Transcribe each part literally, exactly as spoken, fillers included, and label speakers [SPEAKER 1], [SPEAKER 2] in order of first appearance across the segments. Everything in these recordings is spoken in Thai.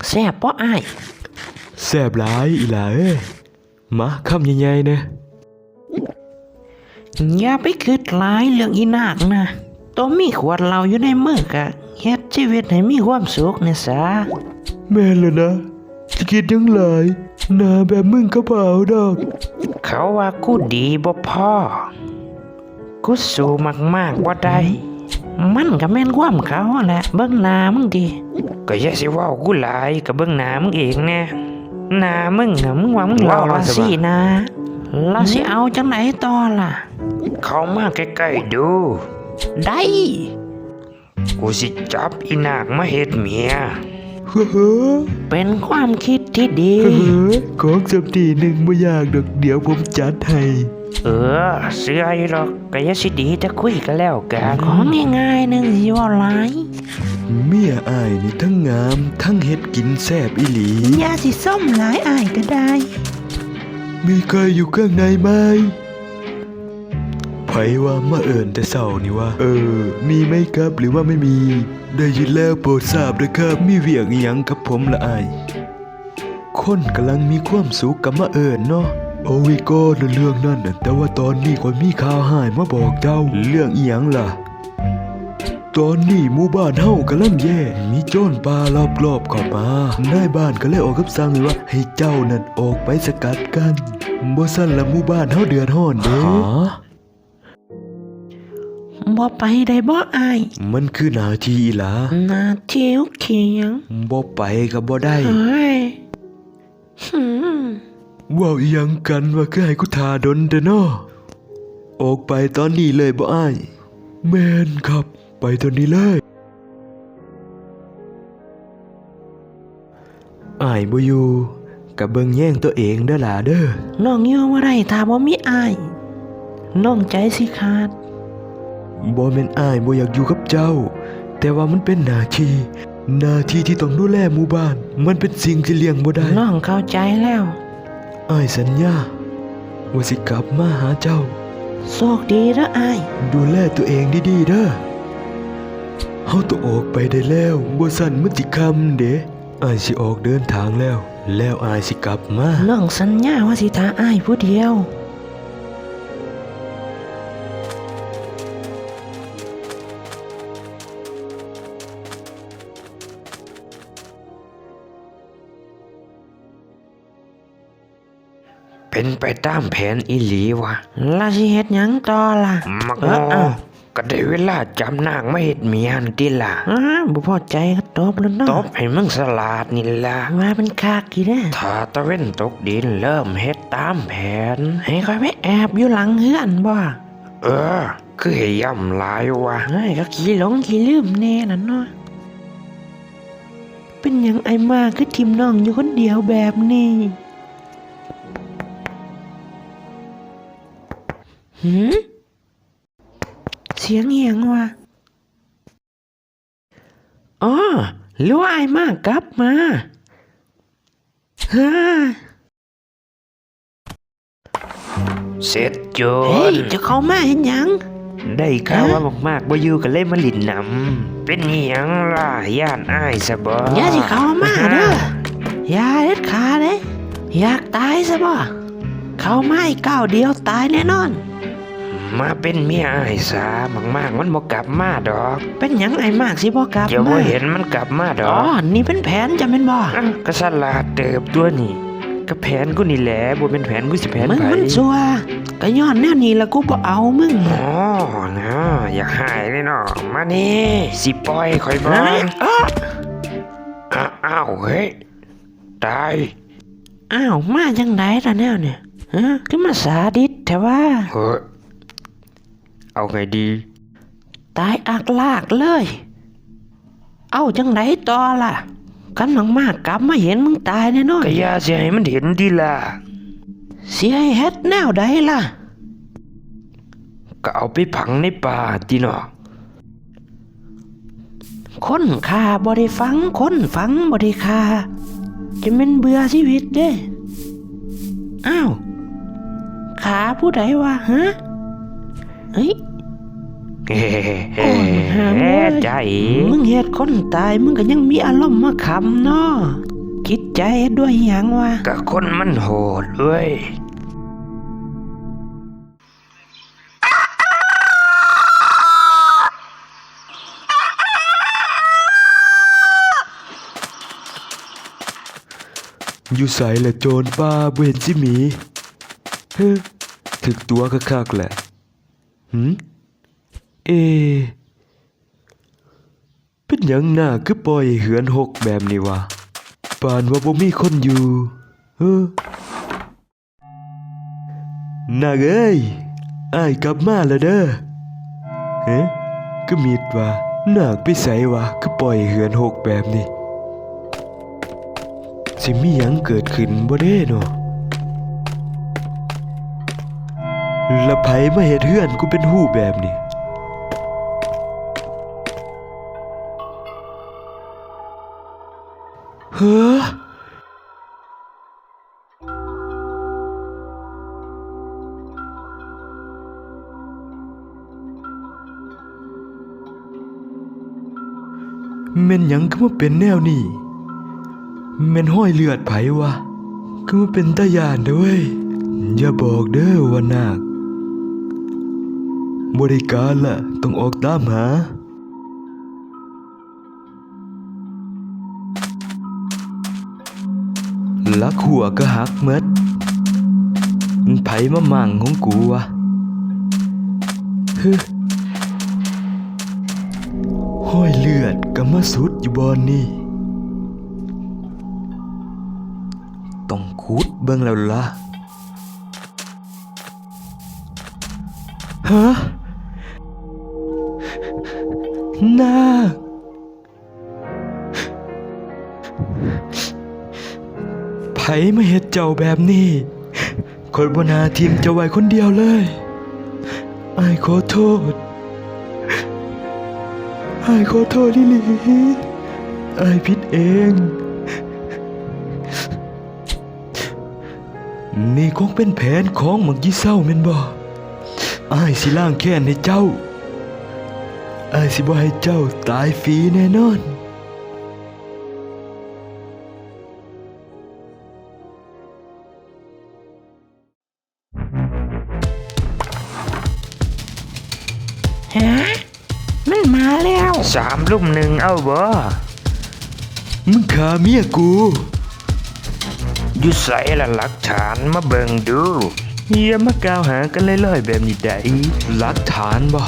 [SPEAKER 1] แซ่บบ่อ้าย
[SPEAKER 2] แซ่บหลายอีหล่าเอ้ยมาคำใหญ่ๆนะ
[SPEAKER 1] อย่าไปคิดหลายเรื่องอีนากนะตัวมีขวดเหล้าอยู่ในมือกะเฮ็ดชีวิตให้มีความสุขนะซะ
[SPEAKER 2] แม่นแล้วนะจะคิดยังหลายหน้าแบบมึงก็เปล่าดอก
[SPEAKER 1] เขาว่ากูดีบ่พอกูสู้มากๆบ่ได้มันก็แม่นความเขาแหละเบิ่งหน้ามึงดิก็อย่าสิเว้ากูหลายก็เบิ่งหน้ามึงเองแน่หน้ามึงน่ะมึงว่ามึงหล่อละสินะแล้วสิเอาจังไหนต่อล่ะเข้ามาใกล้ๆดูได้กูสิจับอีนากมาเฮ็ดเมีย
[SPEAKER 2] เฮ้อ
[SPEAKER 1] เป็นความคิดที่ดี
[SPEAKER 2] เฮ้อของจำดีหนึ่งไม่ยากดอกเดี๋ยวผมจัดให้
[SPEAKER 1] เออเสื้ออยู่หรอกก็อย่าสิดีจะคุยกันแล้วกันของง่ายๆนึงสิว่าหลาย
[SPEAKER 2] เมียอ้ายนี่ทั้งงามทั้งเฮ็ดกินแซ่บอีหลี
[SPEAKER 1] อย่าสิส้มหลายอ้ายก็ได้
[SPEAKER 2] มีใครอยู่ข้างในไหมไผว่ามาเอิ่นแต่เศร้านี่ว่าเออมีไหมครับหรือว่าไม่มีได้ยินแล้วโปรดทราบด้วยครับมีเวียงอีหยังกับผมละอ้ายคนกำลังมีความสุขกับมาเอิ่นเนาะโอวิโก้เรื่องนั่นแต่ว่าตอนนี้คนมีข่าวหายมาบอกเจ้าเรื่องอีหยังล่ะตอนนี้หมู่บ้านเฮากำลังแย่มีโจรป่ารอบๆเข้ามานายบ้านก็เลยออกคำสั่งเลยว่าให้เจ้านั่นออกไปสกัดกันบ่ซั่นละหมู่บ้านเฮาเดือดร้อนเด้
[SPEAKER 1] บ่ไปได้บ่อ้าย
[SPEAKER 2] มันคือหน้าที่อีหลา
[SPEAKER 1] หน้าที่เขียง
[SPEAKER 2] บ่ไปก็บ่ได้
[SPEAKER 1] เฮ้ย
[SPEAKER 2] ว้าวอีหยังกันว่าคือให้กูทาดนเด้อเนาะออกไปตอนนี้เลยบ่อ้ายแม่นครับไปตอนนี้เลยอ้ายบ่อยู่ก็เบิ่งแย่งตัวเองเด้อล่ะเด้อ
[SPEAKER 1] น้องอยู่บ่ได้ถ้าบ่มีอ้ายน้องใจสิขาด
[SPEAKER 2] บ่แม่นอ้ายบ่อยากอยู่กับเจ้าแต่ว่ามันเป็นหน้าที่หน้าที่ที่ต้องดูแลหมู่บ้านมันเป็นสิ่งที่เลี่ยงบ่ได้
[SPEAKER 1] น้องเข้าใจแล้ว
[SPEAKER 2] อ้ายสัญญาว่าสิกลับมาหาเจ้า
[SPEAKER 1] โชคดีเด้ออ้าย
[SPEAKER 2] ดูแลตัวเองดีๆเด้อเฮาต้องออกไปได้แล้วบ่ซั่นมันสิค่ำเด้อ้ายสิออกเดินทางแล้วแล้วอ้ายสิกลับมา
[SPEAKER 1] น้องสัญญาว่าสิท่าอ้ายผู้เดียวเป็นไปตามแผนอีหลีวะล่ะสิเฮ็ดหยังต่อล่ะมักโง่ก็ได้เวลาจำนางมาเฮ็ดเมียนติล่ะอ้าบ่พอใจก็ตบแล้วเนาะตบให้มึงสลาดนี่ล่ะว่ามันคักอีแน่ถ้าตะเว้นตกดินเริ่มเฮ็ดตามแผนให้ค่อยไปแอบอยู่หลังเฮือนบ่เออคือให้ย่ำหลายวะเฮ้ยก็ขี้หลงขี้ลืมแน่น่ะเนาะเป็นหยังไอ้มาคือทิ่มน้องอยู่คนเดียวแบบนี้หืมเสียงเหียงวะอ๋อหรือว่าไอ้มากกลับมาฮ่าเสร็จโจเฮ้ยจะเข้ามาเห็นยังได้ข่าวว่ามากๆบ่อยู่กันเลยมาลิ้นนำเป็นเหียงล่ะย่านอ้ายซะบ่อย่าสิเข้ามาเด้ออย่าเด็ดขาดเด้อยากตายซะบ่เข้ามาอีกก้าวเดียวตายแน่นอนมาเป็นเมียไอ้สามากๆมันบ่กลับมาดอกเป็นหยังไอ้มากสิบ่กลับมาเดี๋ยวบ่เห็นมันกลับมาดอกอ๋อนี่เป็นแผนจะแม่นบ่ก็สลาดเติบตัวนี่ก็แผนกูนี่แหละบ่เป็นแผนกูสิแผนไผมึงมันซัวก็ย้อนแนวนี้ละกูบ่เอามึงอ๋อนะอยากหายเลยเนาะมานี่สิปล่อยข่อยบ่อ้าวเฮ้ยตายอ้าวมาจังได๋ล่ะแนวเนี่ยฮะคือมาสาดิษแท้ว่าเฮ้ยเอาไงดีตายอักลากเลยเอาจังไหนต่อล่ะกันมากมากกลับมาเห็นมึงตายแน่นอนก็อย่าเสียให้มันเห็นดีล่ะเสียให้เฮ็ดแนวใดล่ะก็เอาไปฝังในป่าติเนาะคนฆ่าบ่ได้ฝังคนฝังบ่ได้ฆ่าจะแม่นเบื่อชีวิตเด้อ้าวขาผู้ใดวะฮะเฮ้ยเฮ้ใจมึงเฮ็ดคนตายมึงก็ยังมีอารมณ์มาขำเนาะ
[SPEAKER 3] ใจด้วยหยังวะ
[SPEAKER 1] ก็คนมันโหดเว้ย
[SPEAKER 2] อยู่ใส่ละโจรป้าบ่เห็นสิหมีเฮ้ถึกตัวคักๆแหละหืมเอเป็นหยังหน้าคือปล่อยเหือนหกแบบนี้วะปานว่าบ่มีคนอยู่เฮ้อนาเอ้ยอ้ายกลับมาแล้วเด้อเฮ้ก็มีดว่านาคไปไสวะคือปล่อยเหือนหกแบบนี้สิมีหยังเกิดขึ้นบ่เด้เนาะละไผมาเฮ็ดเฮือนกูเป็นหู้แบบนี้เฮ้อแม่นหยังคือมาเป็นแนวนี้แม่นห้อยเลือดไผวะคือมาเป็นตาย่านเด้อเว้ยอย่าบอกเด้อว่านาคบ่ได้การละต้องออกตามหาลักหัวก็หักหมดมันไผมามั่งของกูวะฮึห้อยเลือดก็มาสุดอยู่บอนนี่ต้องขุดเบิ่งแล้วล่ะฮะนาคไผมาเฮ็ดเจ้าแบบนี้คนบ่น่าทิมเจ้าไว้คนเดียวเลยอ้ายขอโทษอ้ายขอโทษลิลีอ้ายผิดเองนี่คงเป็นแผนของหมักยี่เศร้าแม่นบ่อ้ายสิล้างแค้นให้เจ้าอ้ายสิบ่ให้เจ้าตายฟรีแน่นอน
[SPEAKER 3] ฮะมันมาแล้ว
[SPEAKER 1] สามลุ่มหนึ่งเอาบ่
[SPEAKER 2] มึงฆ่าเมียกู
[SPEAKER 1] อยู่ใส่ละหลักฐานมาเบิ่งดูอย่ามากล่าวหากันลอยๆแบบนี้ได้
[SPEAKER 2] หลักฐานบ่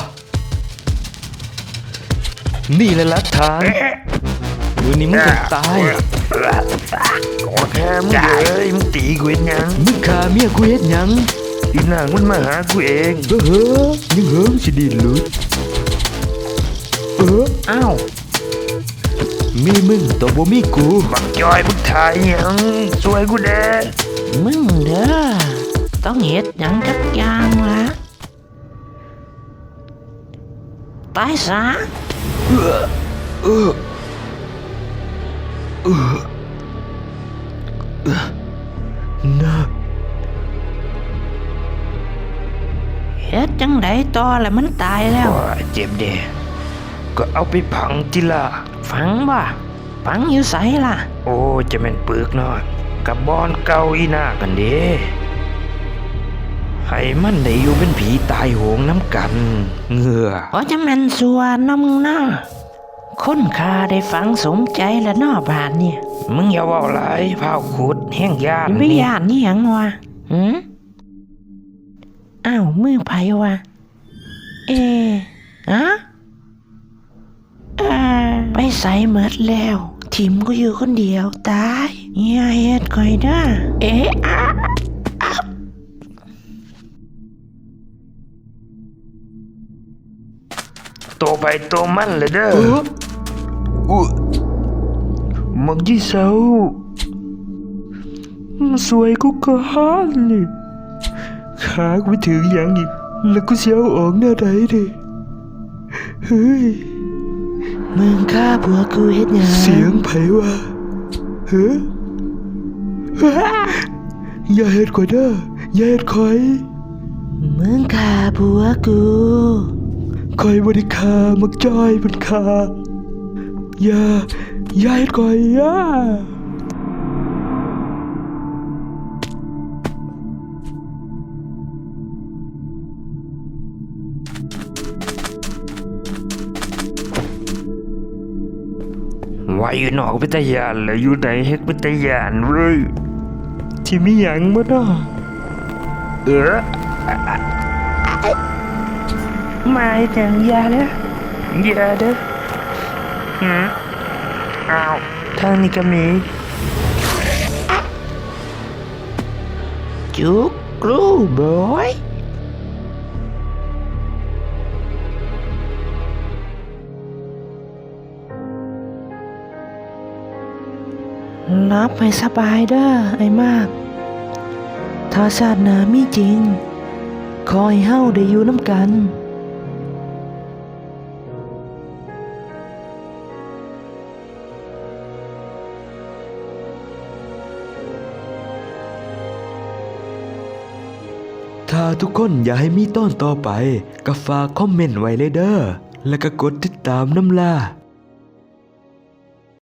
[SPEAKER 2] นี่แหละหลักฐานมือนี้มึงต้องตาย
[SPEAKER 1] โอ้แค่มึงเลยมึงตีกูเห็นยัง
[SPEAKER 2] มึงฆ่าเมียกูเฮ็ดหยัง
[SPEAKER 1] อีนางมันมาหากูเอง
[SPEAKER 2] เออเฮ้อยังเหิงสิดินหลุดเออ
[SPEAKER 3] อ้าว
[SPEAKER 2] มีมึงต้องบ่มีกู
[SPEAKER 1] บักจอยมึงถ่ายหยังสวยกูแด้
[SPEAKER 3] มึงเด้อต้องเฮ็ดหยังจักอย่างละตายซะ
[SPEAKER 2] เออเออเออเออนาค
[SPEAKER 3] เฮ็ดจังไดต่อแล้วมันตายแล้ว
[SPEAKER 1] ว่าเจ็บเด้ก็เอาไปผังจิละ
[SPEAKER 3] ฝังบ่ฝังอยู่ไสล่ะ
[SPEAKER 1] โอ้จะแม่นปึกน้อยกับบอนเก่าอีหน้ากันเด้ให้มันได้อยู่เป็นผีตายโหงน้ำกันเหงื่อ
[SPEAKER 3] เพราะจะแม่นสัวเนาะมึงเนาะคนข้าได้ฝังสมใจแล้วเนาะบาดเนี่ย
[SPEAKER 1] มึงอย่าเว่าหลายพาวขุดแห้งยาน
[SPEAKER 3] ไม่
[SPEAKER 1] นี่
[SPEAKER 3] ย่านนี่หยังวะหืมอ้าวมือไผวะเออะเออไปใส่เมดแล้วทิมก็อยู่คนเดียวตายอย่าเฮ็ดก่อยเด้อเอ๊ะอะอะ
[SPEAKER 1] โตไปโตมันเลยเด้อ
[SPEAKER 2] เอออุ๊ย
[SPEAKER 1] มักยี่เศร้ามันสวยกูก็ฮันนี่ขากูไปถึงอย่างอีกแล้วกูเสียวออกหน้าใดดิเฮ้ย
[SPEAKER 3] มึงฆ่าผัวกูเฮ็ดหยัง
[SPEAKER 2] เสียงไผวะเฮ้ออย่าเฮ็ดข่อยเด้ออย่าเฮ็ดข่อย
[SPEAKER 3] มึงฆ่าผัวกู
[SPEAKER 2] ข่อยบ่ได้ฆ่ามักจ้อยมันฆ่าอย่าอย่าเฮ็ดข่อยอย่า
[SPEAKER 1] ว่าอยู่นอกเป็นตาย่านแล้วอยู่ไหนเฮ็ดเป็นตาย่านเว้ยที่มีหยังบ่เนาะเออมาจังยาเด้อยาเด้อหืมอ้าวทางนี้ก็มีจุกกรูบอย
[SPEAKER 3] รับให้สบายเด้อไอ้มาก ถ้าชาติหน้ามีจริง ขอให้เฮาได้อยู่น้ำกัน
[SPEAKER 2] ถ้าทุกคนอยากให้มีตอนต่อไปก็ฝากคอมเมนต์ไว้เลยเด้อ แล้วก็กดติดตามน้ำล่า